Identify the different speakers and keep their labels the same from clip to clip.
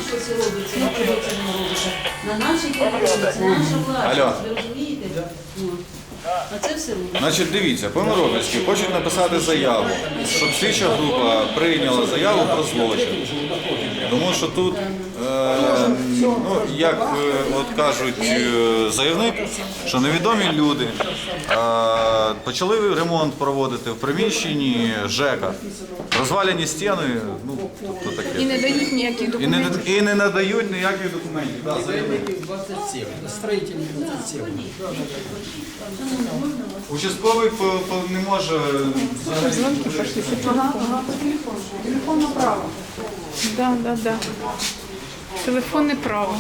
Speaker 1: ось робиться, на кого це не робиться. На нашій території, це наша власність,
Speaker 2: Алло.
Speaker 1: ви розумієте? От. А це все робиться.
Speaker 2: Значить, дивіться, по-миропільськи хочуть написати заяву, щоб слідча група прийняла заяву про злочин. Тому що тут, ну, як от кажуть заявник, що невідомі люди почали ремонт проводити в приміщенні ЖЕКа. Розваляні стіни, ну, тобто таке.
Speaker 3: І не дають ніяких документів.
Speaker 2: І не надають ніяких документів. Да, заявник.
Speaker 4: 27, строительный 27.
Speaker 2: Участковий не може взагалі.
Speaker 3: Телефон направо. Да. Телефонне право.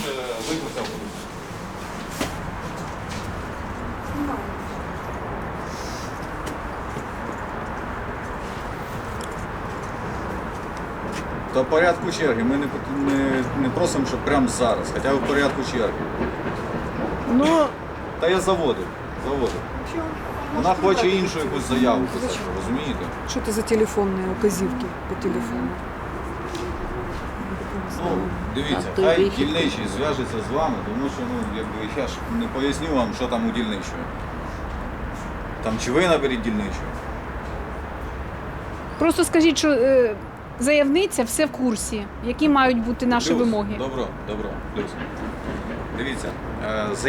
Speaker 2: Та в порядку черги. Ми не просимо, щоб прямо зараз, хоча б в порядку черги.
Speaker 3: Ну,
Speaker 2: Та я заводив. Вона хоче іншу якусь заяву писати, розумієте?
Speaker 5: Что это за телефонные указивки по телефону?
Speaker 2: Ну, дивіться, хай дільничий зв'яжеться з вами, тому що, ну, якби я ж не поясню вам, що там у дільничої. Там чи ви наберіть дільничого.
Speaker 3: просто скажіть, що заявниця все в курсі, які мають бути наші
Speaker 2: Плюс.
Speaker 3: вимоги.
Speaker 2: Добро. Плюс. Дивіться,